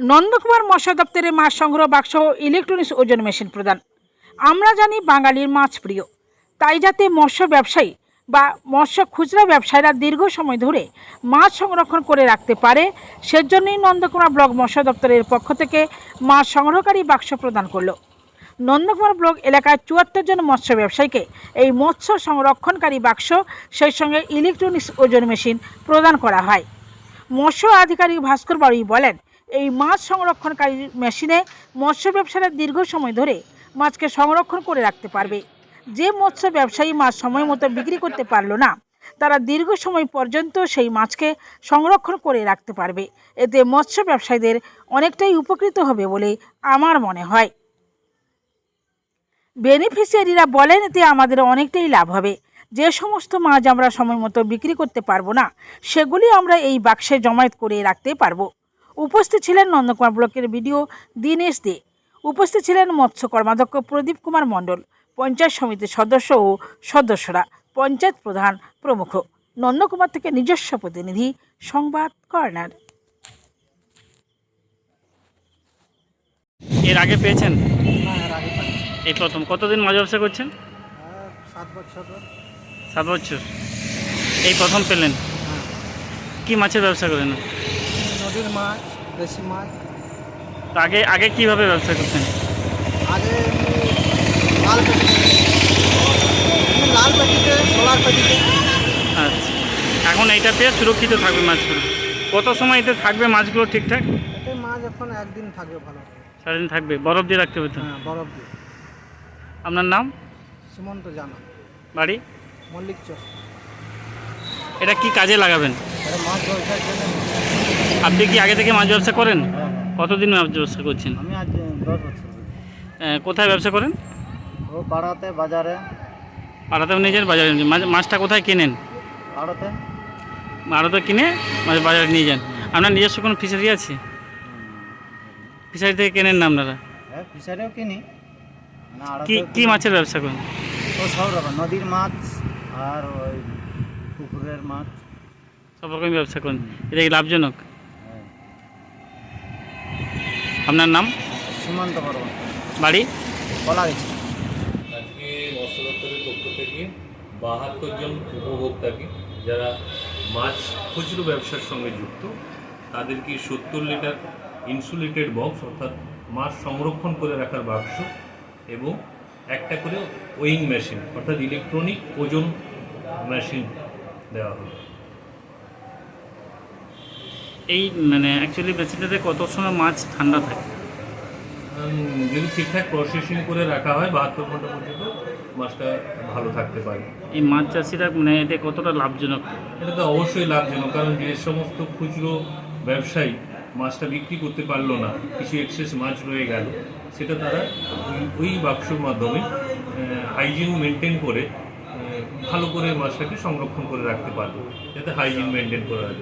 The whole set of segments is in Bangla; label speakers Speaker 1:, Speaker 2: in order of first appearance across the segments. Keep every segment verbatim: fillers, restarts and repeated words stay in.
Speaker 1: নন্দকুমার মৎস্য দপ্তরে মাছ সংগ্রহ বাক্স ও ইলেকট্রনিক্স ওজন মেশিন প্রদান। আমরা জানি বাঙালির মাছ প্রিয়, তাই যাতে মৎস্য ব্যবসায়ী বা মৎস্য খুচরা ব্যবসায়ীরা দীর্ঘ সময় ধরে মাছ সংরক্ষণ করে রাখতে পারে, সেজন্যই নন্দকুমার ব্লক মৎস্য দপ্তরের পক্ষ থেকে মাছ সংগ্রহকারী বাক্স প্রদান করল। নন্দকুমার ব্লক এলাকায় চুয়াত্তর জন মৎস্য ব্যবসায়ীকে এই মৎস্য সংরক্ষণকারী বাক্স, সেই সঙ্গে ইলেকট্রনিক্স ওজন মেশিন প্রদান করা হয়। মৎস্য আধিকারিক ভাস্কর বাড়ি বলেন, এই মাছ সংরক্ষণকারী মেশিনে মৎস্য ব্যবসায়ীরা দীর্ঘ সময় ধরে মাছকে সংরক্ষণ করে রাখতে পারবে। যে মৎস্য ব্যবসায়ী মাছ সময় মতো বিক্রি করতে পারল না, তারা দীর্ঘ সময় পর্যন্ত সেই মাছকে সংরক্ষণ করে রাখতে পারবে। এতে মৎস্য ব্যবসায়ীদের অনেকটাই উপকৃত হবে বলে আমার মনে হয়। বেনিফিশিয়ারিরা বলেন, এতে আমাদের অনেকটাই লাভ হবে। যে সমস্ত মাছ আমরা সময় মতো বিক্রি করতে পারবো না, সেগুলি আমরা এই বাক্সে জমায়েত করে রাখতে পারবো। উপস্থিত ছিলেন নন্দকুমার ব্লকের বিডিও দীনেশ দে, উপস্থিত ছিলেন মৎস্য কর্মাধ্যক্ষ প্রদীপ কুমার মণ্ডল, পঞ্চায়েত সমিতির সদস্য ও সদস্যরা, পঞ্চায়েত প্রধান প্রমুখ। নন্দকুমার থেকে নিজস্ব প্রতিনিধি, সংবাদ কর্নার।
Speaker 2: এর আগে পেয়েছেন? এই প্রথম। কতদিন মাছ ব্যবসা করছেন?
Speaker 3: সাত বছর।
Speaker 2: সাত বছর। এই প্রথম পেলেন? কি মাছের ব্যবসা করেন?
Speaker 3: নদীর মাছ, দেশি মাছ।
Speaker 2: তো আগে আগে কিভাবে ব্যবসা করতেন?
Speaker 3: আগে লাল পেটিতে, লাল পেটিতে, সোলার পেটিতে।
Speaker 2: আচ্ছা, এখন এইটা পেয়ে সুরক্ষিত থাকবে মাছগুলো। কত সময় এতে থাকবে মাছগুলো ঠিকঠাক?
Speaker 3: এতে মাছ এখন একদিন থাকবে ভালো।
Speaker 2: সারাদিন থাকবে? বরফ দিয়ে রাখতে হবে তো?
Speaker 3: হ্যাঁ, বরফ দিয়ে।
Speaker 2: আপনার নাম?
Speaker 3: সুমন্ত জানা,
Speaker 2: বাড়ি?
Speaker 3: মল্লিক চক।
Speaker 2: এটা কি কাজে লাগাবেন?
Speaker 3: এটা মাছ ব্যবসার জন্য।
Speaker 2: আপনি কি আগে থেকে মাছ ব্যবসা করেন? কতদিন মাছ ব্যবসা করছেন?
Speaker 3: আমি আজ দশ বছর।
Speaker 2: আহ, কোথায় ব্যবসা করেন?
Speaker 3: ও পাড়াতে, বাজারে।
Speaker 2: পাড়াতেও নিজের, বাজারে নিজের। মাছ মাছটা কোথায় কেনেন?
Speaker 3: পাড়াতে।
Speaker 2: আড়তে কিনে মাছ বাজারে নিয়ে যান। আপনার নিজস্ব কোনো ফিশারি আছে? ফিশারি থেকে কেনেন না আপনারা?
Speaker 3: হ্যাঁ, ফিশারিও কিনি।
Speaker 2: কি কি মাছের ব্যবসা করেন?
Speaker 3: ও সব রকম, নদীর মাছ আর ওই পুকুরের মাছ,
Speaker 2: সব রকম ব্যবসা করেন। এটা কি লাভজনক? আপনার নাম?
Speaker 3: সীমান্ত বর্মন,
Speaker 2: বাড়ি?
Speaker 3: কলা গেছে।
Speaker 4: আজকে মৎস্য দপ্তরের পক্ষ থেকে বাহাত্তর জন উপভোক্তাকে, যারা মাছ খুচরো ব্যবসার সঙ্গে যুক্ত, তাদেরকে সত্তর লিটার ইনসুলেটেড বক্স, অর্থাৎ মাছ সংরক্ষণ করে রাখার বাক্স এবং একটা করে ওয়িং মেশিন, অর্থাৎ ইলেকট্রনিক ওজন মেশিন দেওয়া হলো।
Speaker 2: এই মানে অ্যাকচুয়ালি মেশিনটাতে কত সময় মাছ ঠান্ডা থাকে?
Speaker 4: উম, যদি ঠিকঠাক প্রসেসিং করে রাখা হয়, বাহাত্তর ঘন্টা পর্যন্ত মাছটা ভালো থাকতে পারে।
Speaker 2: এই মাছ চাষিরা মানে এতে কতটা লাভজনক?
Speaker 4: এটা তো অবশ্যই লাভজনক, কারণ যে সমস্ত খুচরো ব্যবসায়ী মাছটা বিক্রি করতে পারলো না, কিছু এক্সেস মাছ রয়ে গেল, সেটা তারা ওই ওই বাক্সর মাধ্যমে হাইজিন মেনটেন করে আহ, ভালো করে মাছটাকে সংরক্ষণ করে রাখতে পারবে, যাতে হাইজিন মেনটেন করা যায়।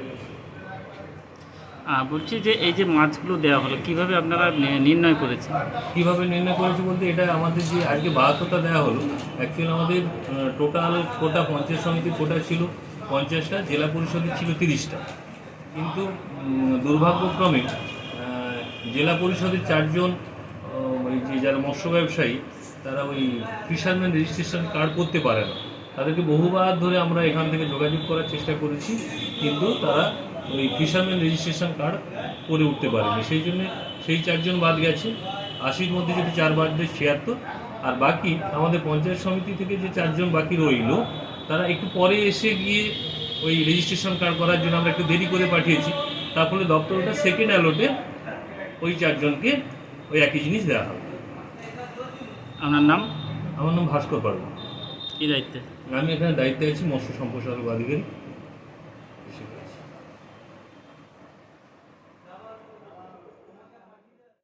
Speaker 2: বলছি যে এই যে মাছগুলো দেওয়া হলো, কিভাবে আপনারা নি- নির্ণয় করেছেন?
Speaker 4: কীভাবে নির্ণয় করেছে বলতে, এটা আমাদের যে আজকে বাহাত্তরটা দেওয়া হলো, অ্যাকচুয়ালি আমাদের টোটাল কোটা পঞ্চায়েত সমিতির কোটা ছিল পঞ্চাশটা, জেলা পরিষদের ছিল তিরিশটা। কিন্তু উম, দুর্ভাগ্যক্রমে আহ, জেলা পরিষদের চারজন আহ, ওই যে যারা মৎস্য ব্যবসায়ী, তারা ওই ফিশারম্যান রেজিস্ট্রেশন কার্ড করতে পারে না। তাদেরকে বহুবার ধরে আমরা এখান থেকে যোগাযোগ করার চেষ্টা করেছি, কিন্তু তারা ওই ফিশারম্যান রেজিস্ট্রেশন কার্ড করে উঠতে পারেনি। সেই জন্যে সেই চারজন বাদ গেছে। আশির মধ্যে যদি চার বাদ দেয় ছিয়াত্তর, আর বাকি আমাদের পঞ্চায়েত সমিতি থেকে যে চারজন বাকি রইল, তারা একটু পরে এসে গিয়ে ওই রেজিস্ট্রেশন কার্ড করার জন্য আমরা একটু দেরি করে পাঠিয়েছি। তার ফলে দপ্তরটা সেকেন্ড অ্যালোটে ওই চারজনকে ওই একই জিনিস দেওয়া হবে।
Speaker 2: আপনার নাম?
Speaker 4: আমার নাম ভাস্কর পারবো।
Speaker 2: কী দায়িত্বে?
Speaker 4: আমি এখানে দায়িত্বে আছি মৎস্য সম্প্রসারক আধিকারিক।